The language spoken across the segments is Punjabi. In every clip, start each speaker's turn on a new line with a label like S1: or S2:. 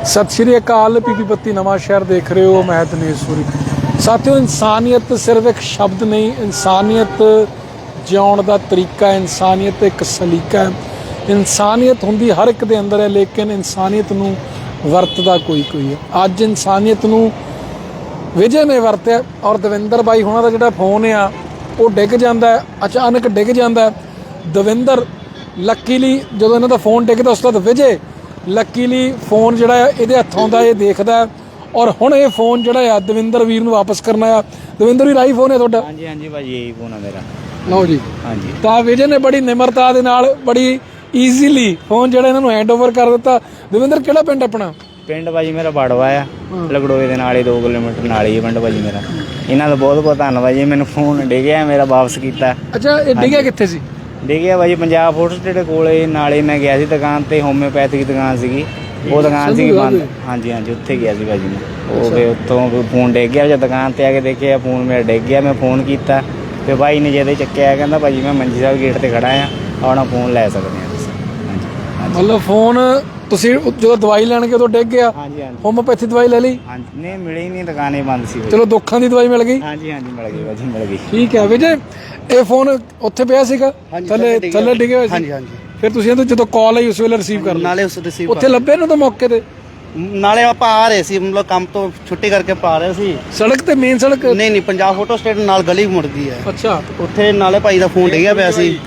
S1: सत श्री अकाल। पीपी बत्ती नवां शहर देख रहे हो, मैं दिनेश सूरी। साथियों, इंसानियत सिर्फ एक शब्द नहीं, इंसानियत जिउण दा तरीका है, इंसानियत एक सलीका है। इंसानियत हुंदी हर एक दे अंदर है, लेकिन इंसानियत नूं वरतदा कोई कोई है। अज इंसानियत नूं विजय ने वरत्या और दविंदर बाई हुणां दा जिहड़ा फोन आ वो डिग जांदा है, अचानक डिग जांदा है। दविंदर लकीली जदों इन्हां दा फोन डिगदा उस तो बाद विजय लकीली फोन जिहड़ा इहदे हत्थों दा इह देखदा और हुण ये फोन जिहड़ा दविंदर वीर नूं वापस करना आ। दविंदर वीर आई फोन है तुहाडा?
S2: हाँ जी हाँ जी भाई, यही फोन है मेरा।
S1: लो जी,
S2: हाँ जी।
S1: तो विजय ने बड़ी निमरता दे नाल बड़ी ईजीली फोन जिहड़ा इन्हां नूं हैंड ओवर कर दित्ता। दविंदर किहड़ा पिंड अपना?
S2: पिंड भाजी मेरा बाड़वा आ, लगड़ोए दे नाल ही 2 किलोमीटर नाल ही पिंड भाजी मेरा। इन्हां दा बहुत बहुत धन्नवाद जी, मैनूं फोन डिग्या मेरा वापस कीता।
S1: अच्छा, ये डिग्या कित्थे सी?
S2: डिग्या भाजी पंजाब फोटो स्टेट कोले नाले मैं गया सी दुकान ते, होम्योपैथिक की दुकान सीगी, वो दुकान सी बंद। हाँ जी हाँ जी, उत्थे गया सी भाजी मैं। वो फिर उत्थों फोन डिग गया, जब दुकान ते आके देखिया फोन मेरा डिग गया। मैं फोन कीता फिर भाई ने जदों चक्किया कहंदा भाजी मैं मंजी साहब गेट ते खड़ा आ, अपना फोन लै सकदे आ तुसीं। हाँ जी,
S1: मतलब फोन ਤੁਸੀਂ ਜਦੋਂ ਦਵਾਈ ਲੈਣ ਗਏ ਉਦੋਂ ਡਿੱਗ ਗਿਆ?
S2: ਹਾਂਜੀ ਹਾਂਜੀ
S1: ਹੋਮੋਪੈਥੀ ਦਵਾਈ ਲੈ ਲਈ?
S2: ਹਾਂਜੀ, ਨਹੀਂ ਮਿਲੀ ਨਹੀਂ, ਦੁਕਾਨੇ ਬੰਦ ਸੀ।
S1: ਚਲੋ ਦੁੱਖਾਂ ਦੀ ਦਵਾਈ ਮਿਲ ਗਈ?
S2: ਹਾਂਜੀ ਹਾਂਜੀ ਮਿਲ ਗਈ ਭਾਜੀ, ਮਿਲ ਗਈ।
S1: ਠੀਕ ਹੈ ਵਿਜੇ, ਇਹ ਫੋਨ ਉੱਥੇ ਪਿਆ ਸੀਗਾ ਥੱਲੇ ਡਿੱਗੇ ਹੋਏ ਸੀ?
S3: ਹਾਂਜੀ ਹਾਂਜੀ।
S1: ਫਿਰ ਤੁਸੀਂ ਇਹਨੂੰ ਜਦੋਂ ਕਾਲ ਆਈ ਉਸ ਵੇਲੇ ਰਿਸੀਵ ਕਰ ਲਿਆ?
S3: ਨਾਲੇ ਉਸ ਰਿਸੀਵ
S1: ਉੱਥੇ ਲੱਭੇ ਨੂੰ ਤਾਂ ਮੌਕੇ ਤੇ?
S3: ਨਾਲੇ ਆਪਾਂ ਆ ਰਹੇ ਸੀ, ਮਤਲਬ ਕੰਮ ਤੋਂ ਛੁੱਟੀ ਕਰਕੇ ਆਪਾਂ ਆ ਰਹੇ ਸੀ।
S1: ਸੜਕ ਤੇ ਮੇਨ ਸੜਕ?
S3: ਨਹੀਂ ਨਹੀਂ, ਪੰਜਾਬ ਫੋਟੋ ਸਟੇਟ ਨਾਲ ਗਲੀ ਮੁੜਦੀ ਹੈ।
S1: ਅੱਛਾ,
S3: ਉੱਥੇ ਨਾਲੇ ਭਾਈ ਦਾ ਫੋਨ ਡਿੱਗਿਆ ਪਿਆ ਸੀ।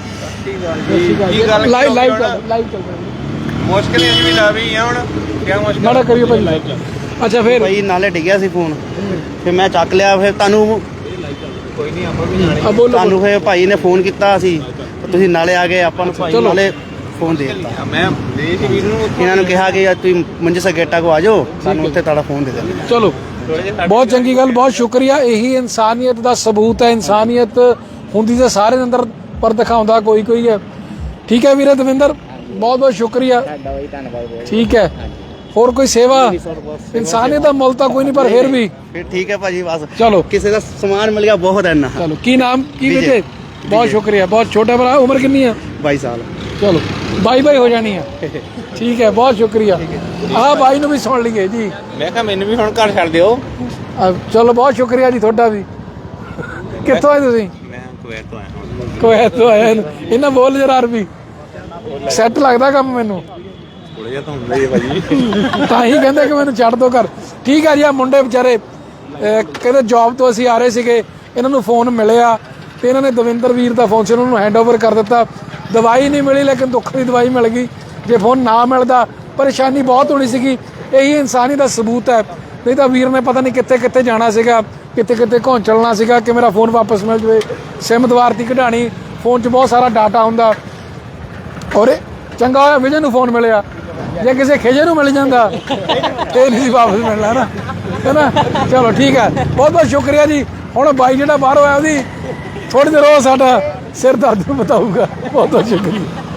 S1: ਲਾਈਵ ਚੱਲ ਰਿਹਾ
S4: ਮੁਸ਼ਕਿਲ ਇਹ ਵੀ ਲਾ ਵੀ ਆ ਹੁਣ ਕਿਆ ਮੁਸ਼ਕਿਲ
S1: ਮਾੜਾ ਕਰਿਓ ਭਾਈ ਲਾਈਵ ਚੱਲ। ਅੱਛਾ, ਫਿਰ
S3: ਭਾਈ ਨਾਲੇ ਡਿੱਗਿਆ ਸੀ ਫੋਨ, ਫਿਰ ਮੈਂ ਚੱਕ ਲਿਆ। ਫਿਰ ਤੁਹਾਨੂੰ
S4: ਕੋਈ ਨਹੀਂ, ਆਪਾਂ ਵੀ ਜਾਣੇ।
S1: ਬੋਲੋ।
S3: ਤੁਹਾਨੂੰ ਫਿਰ ਭਾਈ ਨੇ ਫੋਨ ਕੀਤਾ ਸੀ, ਤੁਸੀਂ ਨਾਲੇ ਆ ਗਏ, ਆਪਾਂ ਨੂੰ ਭਾਈ ਨਾਲੇ ਫੋਨ ਦੇ ਦਿੱਤਾ।
S4: ਮੈਂ ਦੇ ਸੀ ਵੀਰ ਨੂੰ,
S3: ਇਹਨਾਂ ਨੂੰ ਕਿਹਾ ਕਿ ਤੁਸੀਂ ਮੰਜੀ ਸਾ ਗੇਟਾ ਕੋ ਆ ਜਾਓ, ਸਾਨੂੰ ਉੱਥੇ ਤੁਹਾਡਾ ਫੋਨ ਦੇ ਦੇਣਾ।
S1: ਚਲੋ, ਬਹੁਤ ਚੰਗੀ ਗੱਲ, ਬਹੁਤ ਸ਼ੁਕਰੀਆ। ਇਹੀ ਇਨਸਾਨੀਅਤ ਦਾ ਸਬੂਤ ਹੈ। ਇਨਸਾਨੀਅਤ ਹੁੰਦੀ ਤਾਂ ਸਾਰੇ ਦੇ ਅੰਦਰ, ਪਰ ਦਿਖਾਉਂਦਾ ਕੋਈ ਕੋਈ ਹੈ। ਠੀਕ ਹੈ ਵੀਰੇ ਦਵਿੰਦਰ, ਬਹੁਤ ਬਹੁਤ ਸ਼ੁਕਰੀਆ। ਠੀਕ ਹੈ, ਹੋਰ ਕੋਈ ਸੇਵਾ? ਇਨਸਾਨੀਅਤ ਦਾ ਮੁੱਲ ਤਾਂ ਕੋਈ ਨਹੀਂ, ਪਰ ਫਿਰ ਵੀ
S3: ਫਿਰ ਠੀਕ ਹੈ ਭਾਜੀ, ਬਸ
S1: ਚਲੋ
S3: ਕਿਸੇ ਦਾ ਸਮਾਨ ਮਿਲ ਗਿਆ ਬਹੁਤ ਹੈ ਨਾ।
S1: ਚਲੋ, ਕੀ ਨਾਮ ਕੀ ਵਿਜੇ? ਬਹੁਤ ਸ਼ੁਕਰੀਆ। ਬਹੁਤ ਛੋਟਾ ਭਰਾ, ਉਮਰ ਕਿੰਨੀ ਆ?
S3: 22 ਸਾਲ।
S1: ਚਲੋ ਬਾਈ ਬਾਈ ਹੋ ਜਾਣੀ ਆ। ਠੀਕ ਹੈ, ਬਹੁਤ ਸ਼ੁਕਰੀਆ। ਆਹ ਬਾਈ ਨੂੰ ਵੀ ਸੁਣ ਲਈਏ ਜੀ।
S4: ਮੈਂ ਕਿਹਾ ਮੈਨੂੰ ਵੀ ਹੁਣ ਘਰ ਛੱਡ ਦਿਓ।
S1: ਚਲੋ, ਬਹੁਤ ਸ਼ੁਕਰੀਆ ਜੀ ਤੁਹਾਡਾ ਵੀ। ਕਿੱਥੋਂ ਆਏ ਤੁਸੀਂ?
S4: ਮੈਂ ਕੁਵੈਤ ਤੋਂ ਆਇਆ ਹਾਂ।
S1: ਕੁਵੈਤ ਤੋਂ ਆਏ? ਇਹਨਾਂ ਬੋਲ ਜਰਾ ਅਰਬੀ ਸੈੱਟ ਲੱਗਦਾ ਕੰਮ ਮੈਨੂੰ।
S4: ਥੋੜਾ ਜਿਹਾ ਤਾਂ ਹੁੰਦਾ ਹੀ ਹੈ ਭਾਜੀ।
S1: ਤਾਂ ਹੀ ਕਹਿੰਦੇ ਕਿ ਮੈਨੂੰ ਛੱਡ ਦੋ ਘਰ। ਠੀਕ ਆ ਜੀ। ਆ ਮੁੰਡੇ ਵਿਚਾਰੇ ਕਹਿੰਦੇ ਜੌਬ ਤੋਂ ਅਸੀਂ ਆ ਰਹੇ ਸੀਗੇ, ਇਹਨਾਂ ਨੂੰ ਫੋਨ ਮਿਲਿਆ ਤੇ ਇਹਨਾਂ ਨੇ ਦਵਿੰਦਰ ਵੀਰ ਦਾ ਫੋਨ ਸੀ, ਉਹਨਾਂ ਨੂੰ ਹੈਂਡ ਓਵਰ ਕਰ ਦਿੱਤਾ। ਦਵਾਈ ਨਹੀਂ ਮਿਲੀ, ਲੇਕਿਨ ਦੁੱਖ ਦੀ ਦਵਾਈ ਮਿਲ ਗਈ। ਜੇ ਫੋਨ ਨਾ ਮਿਲਦਾ ਪਰੇਸ਼ਾਨੀ ਬਹੁਤ ਹੋਣੀ ਸੀਗੀ। ਇਹੀ ਇਨਸਾਨੀ ਦਾ ਸਬੂਤ ਹੈ। ਨਹੀਂ ਤਾਂ ਵੀਰ ਨੇ ਪਤਾ ਨਹੀਂ ਕਿੱਥੇ ਕਿੱਥੇ ਜਾਣਾ ਸੀਗਾ, ਕਿੱਥੇ ਕਿੱਥੇ ਘੌਂਚਲਣਾ ਸੀਗਾ ਕਿ ਮੇਰਾ ਫੋਨ ਵਾਪਸ ਮਿਲ ਜਾਵੇ। ਸਿਮ ਦੁਬਾਰਤੀ ਕਢਾਣੀ, ਫੋਨ 'ਚ ਬਹੁਤ ਸਾਰਾ ਡਾਟਾ ਹੁੰਦਾ। ਔਰ ਚੰਗਾ ਹੋਇਆ ਵਿਜੇ ਨੂੰ ਫੋਨ ਮਿਲਿਆ, ਜੇ ਕਿਸੇ ਖੇਜੇ ਨੂੰ ਮਿਲ ਜਾਂਦਾ ਤੇ ਨਹੀਂ ਸੀ ਵਾਪਸ ਮਿਲਣਾ ਨਾ, ਹੈ ਨਾ। ਚਲੋ ਠੀਕ ਹੈ, ਬਹੁਤ ਬਹੁਤ ਸ਼ੁਕਰੀਆ ਜੀ। ਹੁਣ ਬਾਈ ਜਿਹੜਾ ਬਾਹਰੋਂ ਆਇਆ ਉਹਦੀ ਥੋੜ੍ਹੀ ਦੇਰ ਉਹ ਸਾਡਾ ਸਿਰ ਦਰਦ ਬਤਾਊਗਾ। ਬਹੁਤ ਬਹੁਤ ਸ਼ੁਕਰੀਆ।